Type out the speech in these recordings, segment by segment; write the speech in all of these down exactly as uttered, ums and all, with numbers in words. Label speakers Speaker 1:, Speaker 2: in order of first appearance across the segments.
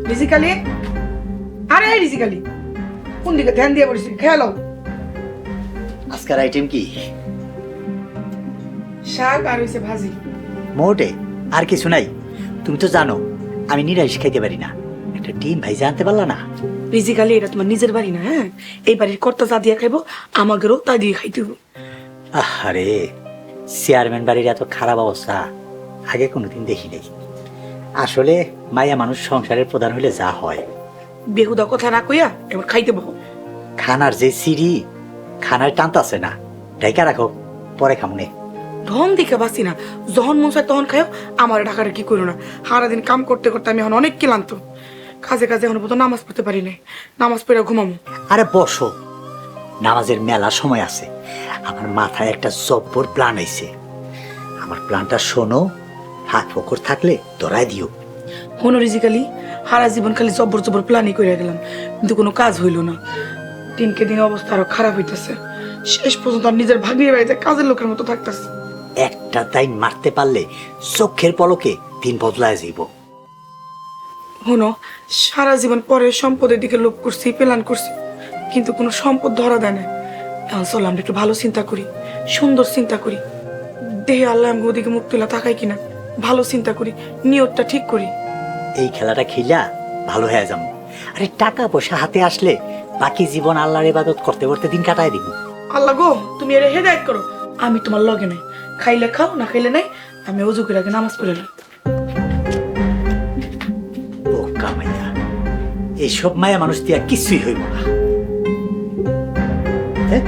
Speaker 1: রিজিকালি, আরে রিজিকালি, কোন দিকে ধ্যান দিয়ে বসেছি? খেয়াল।
Speaker 2: আজকের আইটেম কি?
Speaker 1: শাক আর হইছে ভাজি।
Speaker 2: মোটে আর কিছু নাই? তুমি তো জানো আমি নিরামিষ খাইতে পারি না, একটা ডিম ভাই জানতে পারলা না?
Speaker 1: রিজিকালি, এটা তোমার নিজের বাড়ি না, হ্যাঁ? এই বাড়ির কর্তা যা দিয়ে খাইবো আমাদেরও তা দিয়ে খাইতে হবে।
Speaker 2: আরে চেয়ারম্যান বাড়ির এত খারাপ অবস্থা আগে কোনোদিন দেখি নাই। আসলে মায়া মানুষ সংসারের প্রধান হইলে যা হয়।
Speaker 1: বেহুদা কথা না কইয়া এবার খাইতে বহ।
Speaker 2: খানার যে সিঁড়ি, খানার টানতাছে না, ঢাইকা রাখো, পরে খামনে।
Speaker 1: ঢং দেখে বাসি না, যখন মন চায় তখন খাও। আমার ঢাকাটা কি করো না, সারাদিন কাম করতে করতে আমি এখন অনেক ক্লান্ত। কাজে কাজে এখন পর্যন্ত নামাজ পড়তে পারি নাই, নামাজ পড়ে ঘুমামো।
Speaker 2: আরে বসো, নামাজের মেলা সময় আছে। আমার মাথায় একটা জব্বর প্ল্যান আইছে, আমার প্ল্যানটা শোনো, হাত ফকর থাকলে ধরাই দিও।
Speaker 1: হনো রিজিকালি, সারা জীবন খালি জব্বর জব্বর প্ল্যানই করে গেলাম, কিন্তু কোনো কাজ হইল না। দিনকে দিন অবস্থা আরো খারাপ হইতেছে। শেষ পর্যন্ত আর নিজের ভাগ্নির বাড়িতে কাজের লোকের মতো থাকতেছে।
Speaker 2: একটা তাই মারতে পারলে চোখের পলকে দিন বদলায় যাইব।
Speaker 1: হনো, সারা জীবন পরের সম্পদের দিকে লোভ করছি, প্ল্যান করছি, কিন্তু কোনো সম্পদ ধরা দেয় না। এখন চল আমরা একটু ভালো চিন্তা করি, সুন্দর চিন্তা করি, দেহে আল্লাহ আমাকে ওদিকে মুখ তুলা তাকাই কিনা ভালো চিন্তা করি, নিয়তটা ঠিক করি।
Speaker 2: এই খেলাটা খেলা ভালো হয়ে যাবো। আরে টাকা পয়সা হাতে আসলে বাকি জীবন আল্লাহর ইবাদত করতে করতে দিন কাটায় দিব।
Speaker 1: আল্লাহ গো, তুমি এর হেদায়েত করো। আমি তোমার লগে নাই, খাইলে খাও, না খাইলে নাই। আমি ওযু করে আগে নামাজ পড়ে এলাম।
Speaker 2: বোকা মাইয়া, এইসব মায়া মানুষ দিয়া কিছুই হইব না। হ্যাঁ?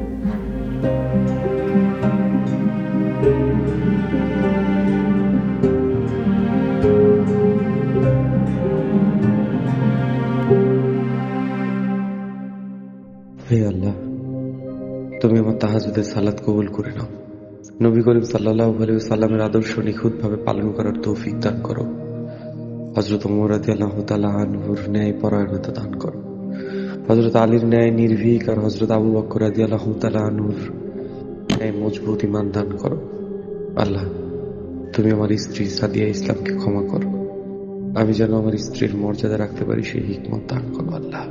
Speaker 3: হে আল্লাহ, তুমি আমার তাহাজ্জুদের সালাত কবুল করে নাও। নবী করিম সাল্লাল্লাহু আলাইহি ওয়াসাল্লামের আদর্শ নিখুঁতভাবে পালন করার তৌফিক দান করো। হযরত ওমর রাদিয়াল্লাহু তাআলা আনহুর ন্যায় পরায়ণতা দান করো। হযরত আলীর ন্যায় নির্ভীক আর হযরত আবু বকর রাদিয়াল্লাহু তাআলা আনহুর ন্যায় মজবুত ঈমান দান করো। আল্লাহ, তুমি আমার স্ত্রী সাদিয়া ইসলামকে ক্ষমা করো। আমি যেন আমার স্ত্রীর মর্যাদা রাখতে পারি সেই হিকমত দান করো আল্লাহ।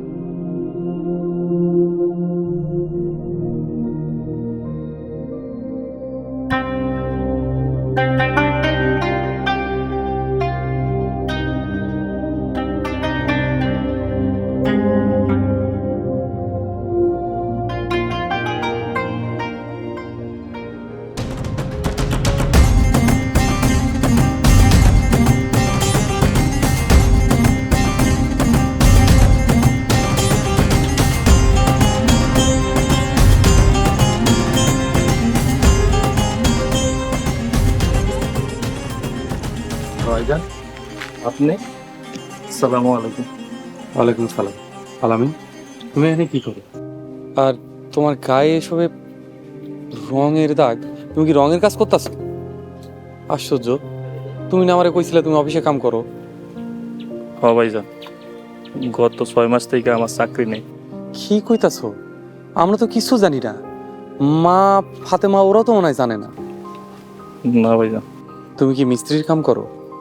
Speaker 4: ভাইজান, আপনি? আসসালামু আলাইকুম।
Speaker 3: ওয়ালাইকুম সালাম। আলামিন, তুমি এখানে কি করো? আর তোমার গায়ে এসবে রঙের দাগ, তুমি কি রঙের কাজ করতেছো? আশ্চর্য, তুমি না আমারে কইছিলে তুমি অফিসে কাম করো।
Speaker 4: হ ভাইজান, গত ছয় মাস থেকে আমার চাকরি নেই।
Speaker 3: কি কইতাছো? আমরা তো কিছু জানি না। মা, ফাতেমা ওরাও তো মনে হয় জানে না।
Speaker 4: না ভাইজান।
Speaker 3: তুমি কি মিস্ত্রির কাম করো?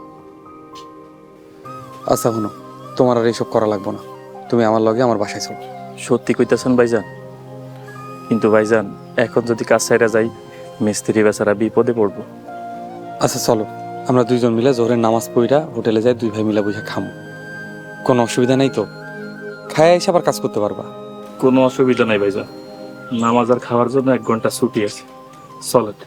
Speaker 3: আচ্ছা শুনো, তোমার আর এইসব করা লাগবো না। তুমি আমার লগে আমার বাসায় চলো।
Speaker 4: সত্যি কইতেছেন ভাইজান? কিন্তু ভাইজান, এখন যদি কাজ ছাইরা যাই, মিস্ত্রি বেচারা বিপদে পড়বো।
Speaker 3: আচ্ছা চলো, আমরা দুইজন মিলে জোহরের নামাজ পড়িরা হোটেলে যাই, দুই ভাই মিলে বুঝে খামো। কোনো অসুবিধা নাই তো? খায় এসে আবার কাজ করতে পারবা।
Speaker 4: কোনো অসুবিধা নাই ভাইজান, নামাজ আর খাওয়ার জন্য এক ঘন্টা ছুটি আছে। চলেন।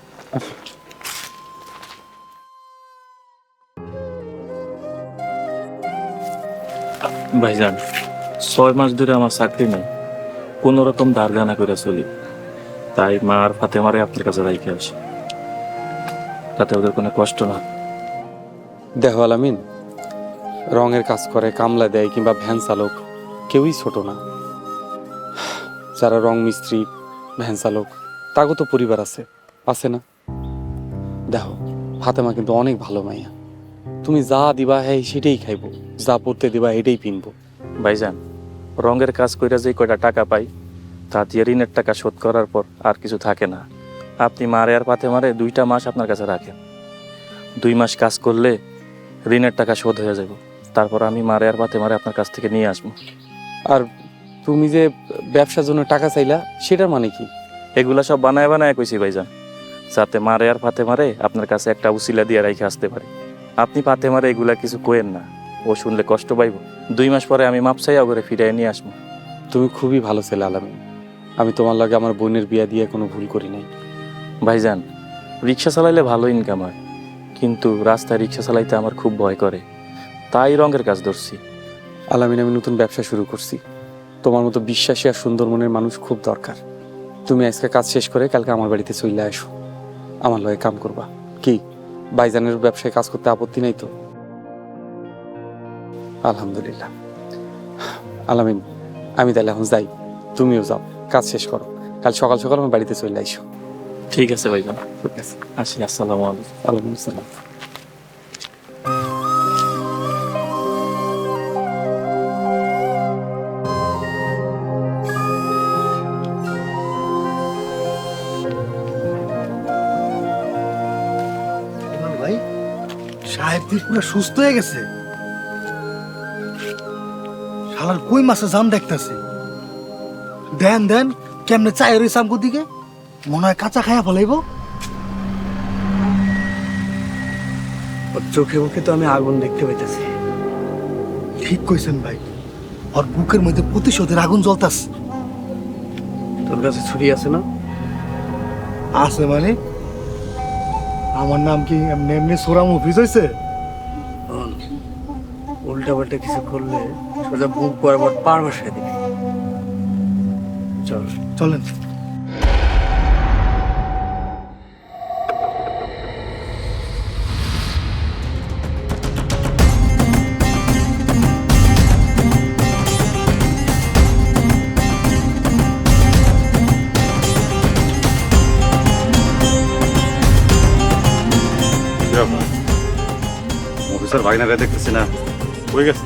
Speaker 4: ভাইজান, ছয় মাস ধরে আমার চাকরি নেই, কোন রকম ধার গানা করে চলি। তাই মা আর ফাতেমারে আপনার কাছে রাইখে আসি, তাতে ওদের কোনো কষ্ট না।
Speaker 3: দেখো আলামিন, রঙের কাজ করে, কামলা দেয় কিংবা ভ্যান চালক, কেউই ছোট না। যারা রং মিস্ত্রি, ভ্যান চালক, তাগো তো পরিবার আছে, আছে না? দেখো, ফাতেমা কিন্তু অনেক ভালো মাইয়া। তুমি যা দিবা হ্যাঁ সেটাই খাইবো, যা পড়তে দিবা এটাই পিনবো।
Speaker 4: ভাইজান, রঙের কাজ কইরা যে কয়টা টাকা পাই, তা দিয়ে ঋণের টাকা শোধ করার পর আর কিছু থাকে না। আপনি মারে আর ফাতেমারে দুইটা মাস আপনার কাছে রাখেন। দুই মাস কাজ করলে ঋণের টাকা শোধ হয়ে যাবে, তারপর আমি মারে আর পাতে মারে আপনার কাছ থেকে নিয়ে আসবো।
Speaker 3: আর তুমি যে ব্যবসার জন্য টাকা চাইলা সেটার মানে কি?
Speaker 4: এগুলা সব বানায় বানায় কইছি ভাইজান, যাতে মারে আর ফাতে মারে আপনার কাছে একটা উসিলা দিয়ে রেখে আসতে পারে। আপনি পাতে মারে এগুলা কিছু কোয়েন না, ও শুনলে কষ্ট পাইব। দুই মাস পরে আমি মাপ চাইয়া করে ফিরিয়ে নিয়ে আসবো।
Speaker 3: তুমি খুবই ভালো ছেলে আলামিন, আমি তোমার লাগে আমার বোনের বিয়া দিয়ে কোনো ভুল করি নাই।
Speaker 4: ভাইজান, রিক্সা চালাইলে ভালো ইনকাম হয়, কিন্তু রাস্তায় রিক্সা চালাইতে আমার খুব ভয় করে, তাই রঙের কাজ ধরছি।
Speaker 3: আলামিন, আমি নতুন ব্যবসা শুরু করছি, তোমার মতো বিশ্বাসী আর সুন্দর মনের মানুষ খুব দরকার। তুমি আজকে কাজ শেষ করে কালকে আমার বাড়িতে চলে আসো, আমার লগে কাম করবা। কি ভাইজানের ব্যবসায় কাজ করতে আপত্তি নাই তো? আলহামদুলিল্লাহ। আলামিন, আমি তাহলে এখন যাই, তুমিও যাও, কাজ শেষ করো, কাল সকাল সকাল আমার বাড়িতে চলে আসো।
Speaker 4: ঠিক আছে ভাইজান,
Speaker 3: ঠিক আছে,
Speaker 4: আসি। আসসালামু আলাইকুম।
Speaker 3: ওয়ালাইকুম আসসালাম।
Speaker 5: ভাই সাহেব তুই পুরো সুস্থ হয়ে গেছে। শালার কই মাসে জান দেখতেছে। দেন দেন কেমনে চাই রয়েছে আমগো দিকে, মনে হয় কাঁচা খায়া ফলাইব।
Speaker 6: ওর চোখে মুখে তো আমি আগুন দেখতে পাইতেছি।
Speaker 5: ঠিক কইছেন ভাই, ওর বুকের মধ্যে প্রতিশোধের আগুন জ্বলতাছে।
Speaker 6: তোর কাছে ছুরি আছে না?
Speaker 5: আছে মানে? আমার নাম কি এমনি এমনি সোরাম অফিস হয়েছে?
Speaker 6: উল্টা পাল্টা কিছু করলে সোজা বুক বরাবর পার বসায় দিবি। চল।
Speaker 5: চলেন।
Speaker 7: অফিসার ভাগনারে দেখতেছি না, হয়ে গেছে।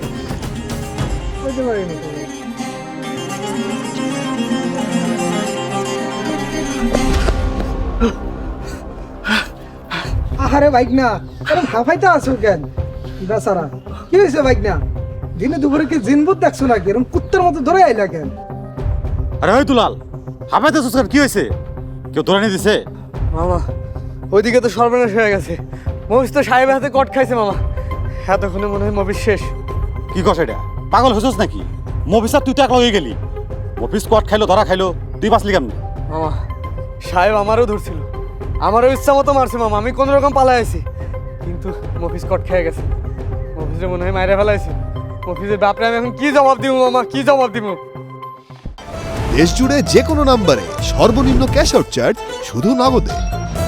Speaker 8: আহারে বাইক না, আরে হাফাইতে আসো কেন বেচারা? কি হয়েছে বাইক না? দিনে দুপুরে কি জিনবুত দেখছো নাকি? এরকম কুত্তার মতো ধরে আইলা কেন?
Speaker 7: আরে ওই দুলাল, হাফাইতে সুস্কার কি হয়েছে? কেউ ধরে নিয়ে দিছে?
Speaker 6: মামা ওইদিকে তো সর্বনাশ হয়ে গেছে। মহিষ তো সাহেবের হাতে কট খাইছে মামা। এতক্ষণে মনে হয় মবিস শেষ।
Speaker 7: কি কস এটা? পাগল হয়েছিস নাকি? মফিসার তুই তো একলা হয়ে গেলি। মফিস কট খাইলো, ধরা খাইলো, তুই বাঁচলি কেমনি?
Speaker 6: মামা সাহেব আমারও ধরছিল, আমারও ইচ্ছা মতো মারছে মামা। আমি কোন রকম পালাই আছি, কিন্তু মফিস কট খেয়ে গেছে। মফিসে মনে হয় মাইরে ফেলাইছে। মফিসের বাপরে আমি এখন কি জবাব দিব মামা, কি জবাব দিব?
Speaker 9: দেশ জুড়ে যে কোনো নম্বরে সর্বনিম্ন ক্যাশ আউট চার্জ শুধু নগদে।